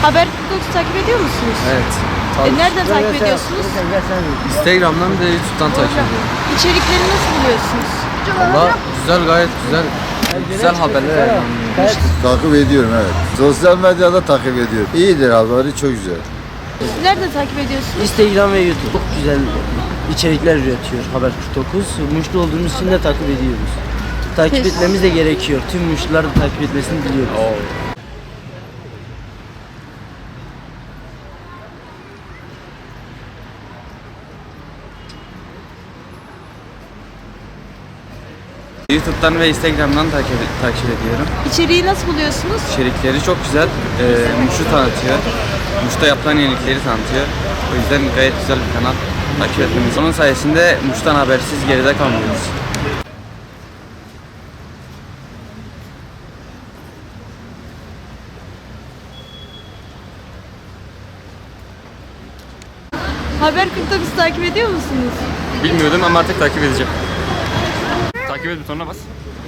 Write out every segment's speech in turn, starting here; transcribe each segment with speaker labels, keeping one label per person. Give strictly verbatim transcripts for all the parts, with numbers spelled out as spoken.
Speaker 1: Haber kırk dokuz takip ediyor musunuz?
Speaker 2: Evet.
Speaker 1: E, nereden takip ediyorsunuz?
Speaker 2: Instagram'dan bir de YouTube'dan takip ediyorum.
Speaker 1: İçerikleri nasıl buluyorsunuz?
Speaker 2: Valla güzel, gayet güzel. Güzel haberler yayınlanıyor.
Speaker 3: Takip ediyorum, evet. Sosyal medyada takip ediyorum. İyidir, haberi çok güzel.
Speaker 1: Siz nereden takip ediyorsunuz?
Speaker 4: Instagram ve YouTube çok güzel içerikler üretiyor Haber kırk dokuz. Muşlu olduğumuz için de takip ediyoruz. Takip
Speaker 1: Teşekkür-
Speaker 4: etmemiz de gerekiyor. Tüm Muşlular da takip etmesini diliyoruz.
Speaker 2: YouTube'dan ve Instagram'dan takip, takip ediyorum.
Speaker 1: İçeriği nasıl buluyorsunuz?
Speaker 2: İçerikleri çok güzel. Ee, Muş'u tanıtıyor. Muş'ta yapılan yenilikleri tanıtıyor. O yüzden gayet güzel bir kanal. Takip etmemiz. Onun sayesinde Muş'tan habersiz geride kalmıyoruz.
Speaker 1: Haber kırk dokuz takip ediyor musunuz?
Speaker 2: Bilmiyordum ama artık takip edeceğim. Takip et butonuna bas.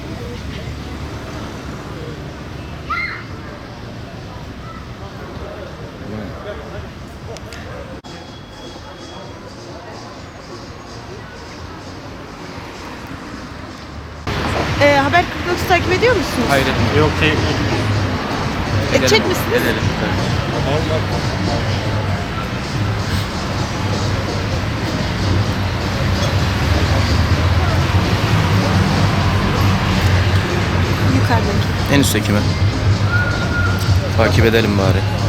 Speaker 1: E, Haber kırk dokuz takip ediyor musunuz?
Speaker 2: Hayır. Yok şey.
Speaker 1: Edecek misiniz?
Speaker 2: Edelim.
Speaker 1: Yukarıdaki.
Speaker 5: En üstteki mi? Takip edelim bari.